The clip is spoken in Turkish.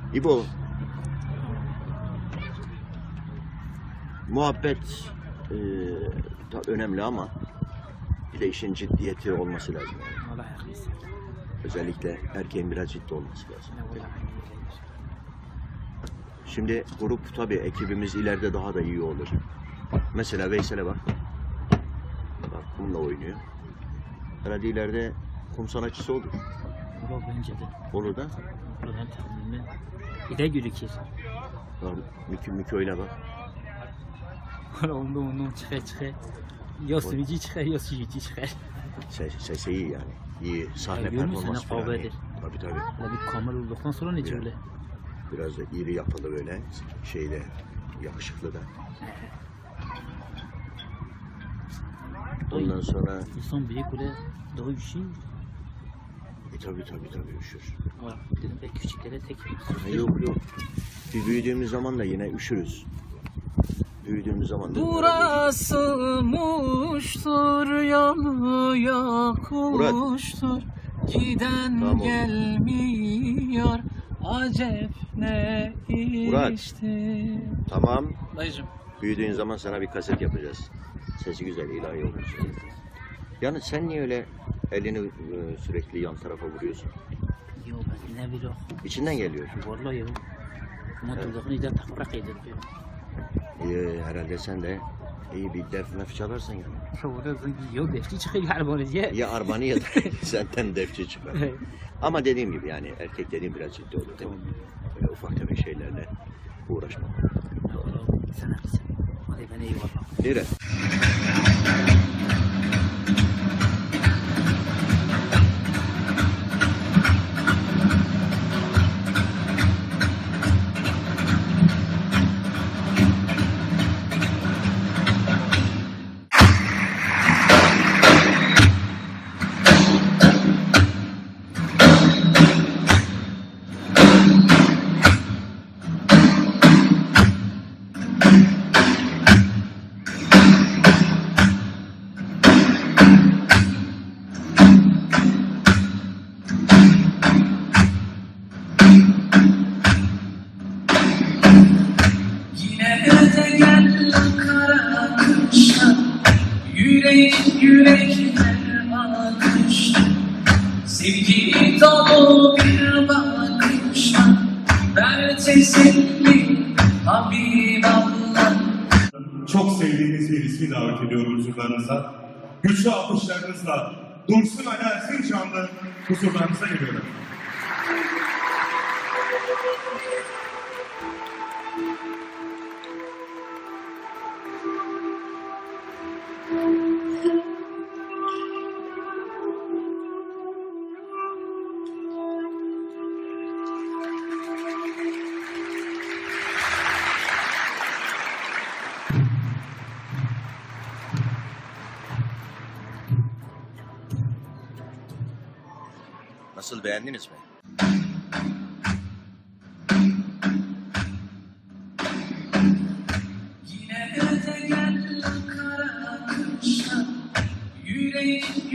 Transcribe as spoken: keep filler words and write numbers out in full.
İbo, muhabbet e, da önemli ama bir de işin ciddiyeti olması lazım. Yani. Allah haklısın. Özellikle erkeğin biraz ciddi olması lazım. Ne vallahi. Şimdi grup tabii ekibimiz ileride daha da iyi olur. Mesela Veysel'e bak. Bak kumla oynuyor. Herhalde ileride kum sanatçısı olur. Olur bence de. Olur da. Olur ben tahminimle. Bir de gözükür. Bak Mükü Mükü oyna bak. Onda ondan çıkar çıkar. Ya sürücü çıkar ya sürücü çıkar. Ses, sesi iyi yani. İyi. Sahne Ya, görüyor musun? performansı Ne falan kavga iyi. eder. Tabii tabii. Hele bir kamera olduktan sonra ne Ya. öyle? Biraz da iri yapılı böyle. Şeyde yakışıklı da. Ondan sonra İnsan büyük öyle daha üşüyor. e, tabii tabii tabii üşür. Var. Dedim ben küçüklere tek. Ha, yok yok. Bir büyüdüğümüz zaman da yine üşürüz. Büyüdüğümüz zaman da Burası muştur, yanıyor kuştur. Giden Tamam. gelmiyor, acep ne Murat. işti. Tamam. Dayıcım. Büyüdüğün zaman sana bir kaset yapacağız. Sesi güzel, ilahi olur. Yani sen niye öyle elini e, sürekli yan tarafa vuruyorsun? Yok ben ne bileyim. İçinden geliyor. Vallahi yok. Motorluğunu iyice takrak ediliyor. Ee, herhalde sen de iyi bir def mef çalarsın yani. Şurada yok defti çıkıyor galiba diye. Ya arbanı ya da senden defçi çıkar. Ama dediğim gibi yani erkek dediğim biraz ciddi olur değil mi? Böyle ufak tefek şeylerle uğraşma. Sen haklısın. Hadi ben eyvallah. Nere? Yine de gel kara kışa, yürek yürekler bakışta. Sevgi dolu bir bakışta, ver teselli Habiballah. Çok sevdiğiniz bir ismi davet ediyorum huzurlarınıza. Güçlü alkışlarınızla Dursun Ali Erzincanlı huzurlarınıza geliyorum. Nasıl, beğendiniz mi? Yine de gel kara kışa, yürek